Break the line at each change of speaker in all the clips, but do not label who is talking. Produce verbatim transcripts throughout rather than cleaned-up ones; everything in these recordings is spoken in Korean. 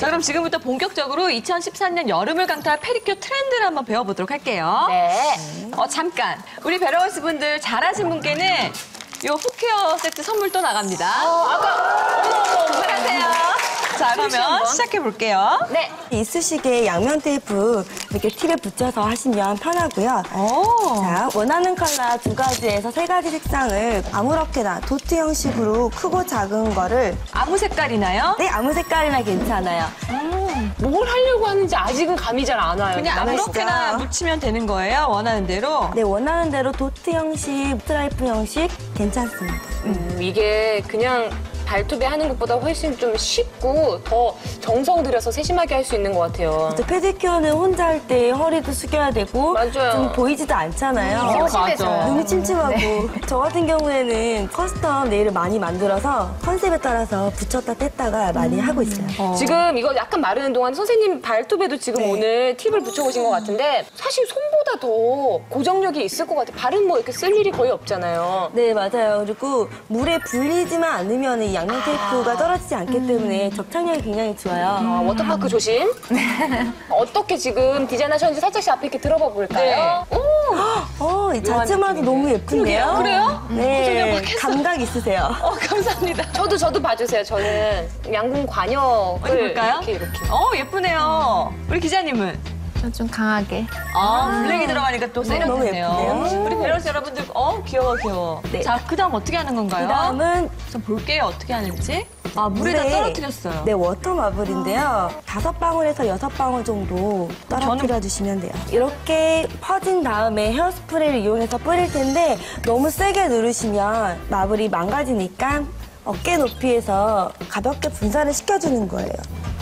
자, 그럼 지금부터 본격적으로 이천십삼 년 여름을 강타할 페디큐어 트렌드를 한번 배워보도록 할게요.
네.
어, 잠깐. 우리 베러걸스 분들 잘하신 분께는 요 푸케어 세트 선물 또 나갑니다.
어, 아까 어머 어머
안녕하세요. 자, 그러면 시작해 볼게요.
네.
이쑤시개 양면 테이프 이렇게 팁에 붙여서 하시면 편하고요.
오.
자, 원하는 컬러 두 가지에서 세 가지 색상을 아무렇게나 도트 형식으로 크고 작은 거를
아무 색깔이나요?
네, 아무 색깔이나 괜찮아요.
뭘 하려고 하는지 아직은 감이 잘 안 와요.
그냥
나가시죠.
아무렇게나 묻히면 되는 거예요, 원하는 대로.
네, 원하는 대로 도트 형식, 스트라이프 형식 괜찮습니다.
음, 이게 그냥 발톱에 하는 것보다 훨씬 좀 쉽고 더 정성 들여서 세심하게 할 수 있는 것 같아요.
또 페디큐어는 혼자 할 때 허리도 숙여야 되고
맞아요.
좀 보이지도 않잖아요.
어, 맞아.
눈이 침침하고 저 같은 경우에는 커스텀 네일을 많이 만들어서 컨셉에 따라서 붙였다 뗐다가 많이 하고 있어요.
어.
지금 이거 약간 마르는 동안 선생님 발톱에도 지금
네.
오늘 팁을 붙여오신 것 같은데 사실 손보다 더 고정력이 있을 것 같아요. 발은 뭐 이렇게 쓸 일이 거의 없잖아요.
네, 맞아요. 그리고 물에 불리지만 않으면 이 양면 테이프가 떨어지지 않기 때문에 접착력이 굉장히 좋아요.
아, 워터파크 조심. 어떻게 지금 디자인하셨는지 살짝씩 앞에 이렇게 들어봐 볼까요? 오!
어, 이 자체만도 너무 예쁜데요?
그래요?
네, 감각 있으세요.
어, 감사합니다.
저도 저도 봐주세요. 저는 양궁 관역을
어디 볼까요?
이렇게 이렇게.
어, 예쁘네요. 우리 기자님은?
좀 강하게.
아, 블랙이 들어가니까 또
너무
세련됐네요.
예쁜데요?
우리 베러스 여러분들, 어, 귀여워, 귀여워.
네.
자, 그 다음 어떻게 하는 건가요?
그 다음은
좀 볼게요, 어떻게 하는지. 아, 물에다 떨어뜨렸어요.
네, 워터 마블인데요. 다섯 방울에서 여섯 방울 정도 떨어뜨려 주시면 돼요. 이렇게 퍼진 다음에 헤어스프레이를 이용해서 뿌릴 텐데 너무 세게 누르시면 마블이 망가지니까 어깨 높이에서 가볍게 분사를 시켜주는 거예요.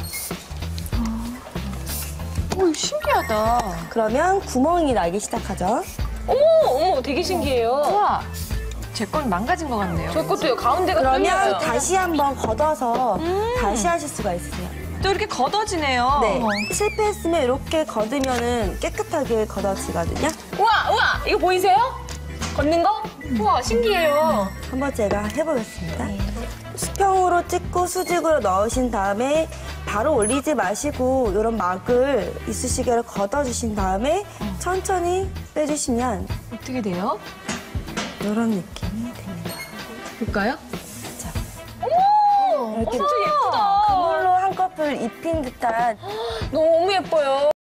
오, 신기하다.
그러면 구멍이 나기 시작하죠.
어머 어머 되게 신기해요.
우와, 제 건 망가진 것 같네요.
저 것도요. 가운데가
그러면
뚫려요.
다시 한번 걷어서 다시 하실 수가 있으세요.
또 이렇게 걷어지네요.
네, 실패했으면 이렇게 걷으면 깨끗하게 걷어지거든요.
우와 우와 이거 보이세요? 걷는 거? 우와 신기해요.
한번 제가 해보겠습니다. 수평으로 찍고 수직으로 넣으신 다음에 바로 올리지 마시고 이런 막을 이쑤시개로 걷어주신 다음에 천천히 빼주시면
어떻게 돼요?
이런 느낌이 됩니다.
볼까요?
이렇게
진짜 예쁘다.
그물로 한꺼풀 입힌 듯한
너무 예뻐요.